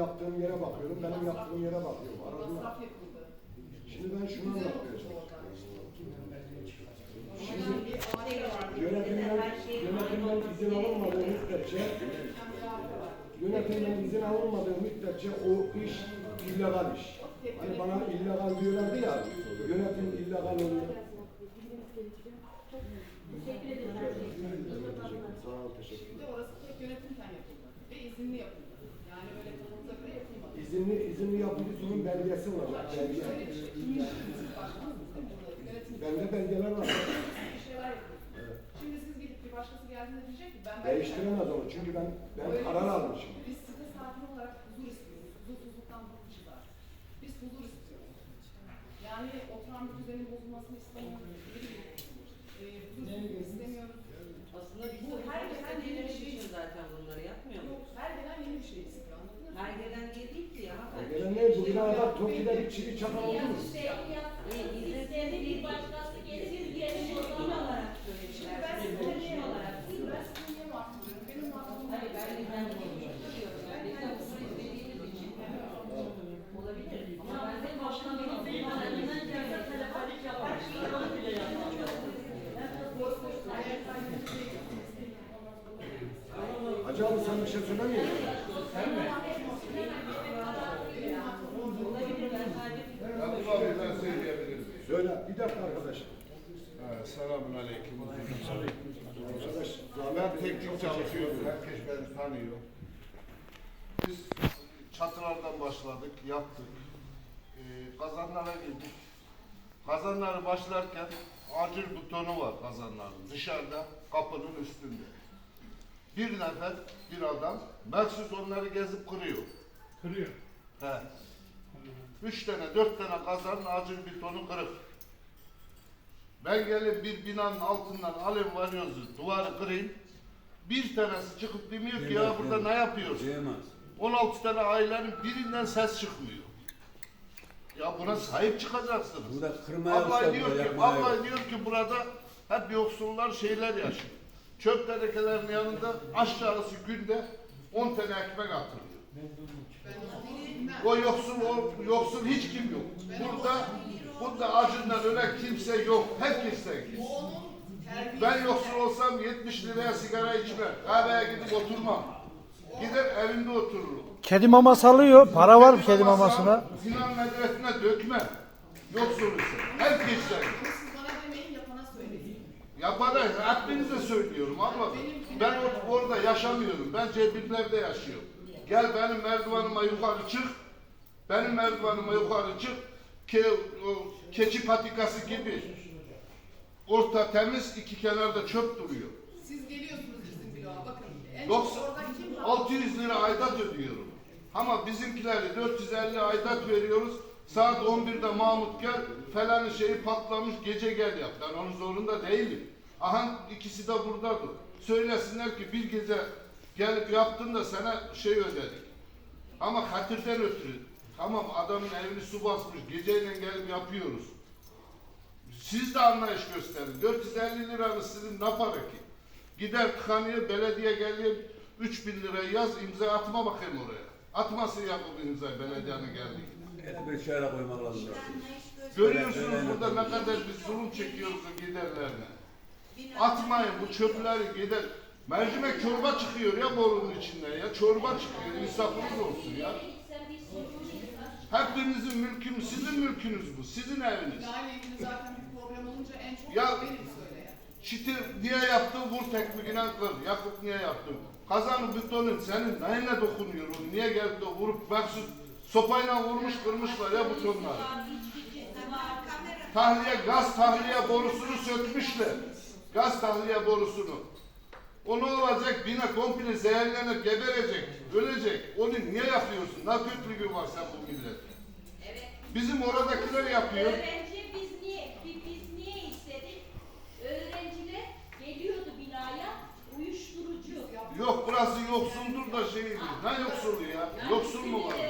yaptığım yere bakıyorum, benim yaptığım yere bakıyorum. Arada. Şimdi ben şunu anlatmaya çalışıyorum. Şimdi yönetimden izin alınmadığı müddetçe o iş illegal iş. Hani bana illegal diyorlardı ya, yönetim illegal oluyor. Teşekkür ederim. Sağ ol, teşekkür ederim. Şimdi orası tek yönetimden yapıldı ve izinli yapıldı. Yani böyle kanunumuza göre yapılmadı. İzinli yapıldı, bunun belgesi var. Belge. Bende belgeler var. Bir şeyler yapıyorsunuz. Evet. Şimdi siz gidip bir başkası geldiğinde diyecek ki ben Değiştiremez onu çünkü ben karar almışım. Biz size sakin olarak huzur istiyoruz. Huzursuzluktan bıkmışız artık. Biz huzur istiyoruz. Yani oturan bir düzenin bozulmasını istemiyoruz. Huzursuzluk istemiyoruz. Aslında Bu her gelen yeni bir şey için zaten bunları yapmıyor mu? Yok, her gelen yeni bir şey istiyor. Anladın mı? Her gelen diye değil ki ya. Gelen ne? Bu binada Toki'de bir çivi çakal oldu mu? İstedi bir başkası gelir gelin o zaman olarak Şimdi ben size ne olarak ben size niye mahcup benim mahcubum Hayır ben konuşuyorum. Yani biz de huzur istediğimiz için olabilir. Ama ben de başkanımın beyanlarından geldi. Telefonik yapar. Onu bile yapamıyor. Hacı abi sen bir şey söylemiyor musun? Abdullah Bey ben söyleyebilirim. Söyle. Bir dakika arkadaşım. Selamun aleyküm. Arkadaş, Ben teknik çalışıyorum. Herkes beni tanıyor. Biz çatılardan başladık, yaptık. Kazanlara girdik. Kazanları başlarken acil butonu var kazanların. Dışarıda, kapının üstünde. Bir nefer, bir adam, mahsus onları gezip kırıyor. Kırıyor. He. 3 tane, 4 tane kazanın acil butonu kırık. Ben gelip bir binanın altından alayım varıyoruz, duvarı kırayım. Bir tanesi çıkıp demiyor ki ya burada ne yapıyorsun? 16 tane ailenin birinden ses çıkmıyor. Ya buna sahip çıkacaksınız. Abla diyor ki burada hep yoksullar şeyler yaşıyor. Çöp tenekelerinin yanında aşağısı günde 10 tane ekmek atılıyor. O yoksul hiç kim yok. Burada acından ölen kimse yok. Herkesten kim. Ben yoksul olsam 70 liraya sigara içmem. Kahveye gidip oturmam. Gider evinde otururum. Kedi maması alıyor. Para var mı kedi mamasına? Sinan medresine dökmem. Yoksul ise. Herkesten. Siz bana demeyin yapana söyleyin. Yapana hepinize söylüyorum abla. Ben orada yaşamıyorum. Ben Cebiller'de yaşıyorum. Gel benim merdivanıma yukarı çık. Benim merdivanıma yukarı çık. Keçi patikası gibi. Orta temiz, iki kenarda çöp duruyor. Siz geliyorsunuz bizim bloğa bakın. En 90, çok orada kim 600 lira aidat ödüyorum. Ama bizimkileri 450 aidat veriyoruz. Saat 11'de Mahmut gel, falan şeyi patlamış, gece gel yap. Ben onun zorunda değilim. Aha ikisi de buradadır. Söylesinler ki bir gece gelip yaptın da sana şey ödedik. Ama hatırdan ötürü. Tamam adamın evini su basmış, geceyle gelip yapıyoruz. Siz de anlayış gösterin. 450 liranız sizin ne para ki? Gider tıkanıyor, belediye geliyor, 3000 liraya yaz, imza atma bakayım oraya. Atmasın ya bu imzayı belediyenin geldiğinde. Bir şöyle koymak lazım. Görüyorsunuz burada ne kadar biz zulüm çekiyoruz o giderlerine. Atmayın bu çöpleri gider. Mercimek çorba çıkıyor ya borunun içinden ya. Çorba çıkıyor. İnsafınız olsun ya. Hepinizin mülkünüz, sizin mülkünüz bu. Sizin eviniz. binayla ilgili zaten bir problem olunca en çok Ya, benim söyleyen. Çiti niye yaptın? Vur tekmikine kır. Yakup niye yaptın? Kazanın butonun senin neyine dokunuyor onu? Niye geldi de vurup baksın sopayla vurmuş kırmışlar ya butonları. Gaz tahliye borusunu sökmüşler. Gaz tahliye borusunu. O ne olacak? Bina komple zehirlenir, geberecek, ölecek. Onu niye yapıyorsun? Ne kötülüğü var sen bu millet? Evet. Bizim oradakiler yapıyor. Öğrenci biz niye istedik? Öğrenciler geliyordu binaya uyuşturucu. Yok burası yoksuldur da şey değil. Ne yoksulu ya? Yoksul mu var?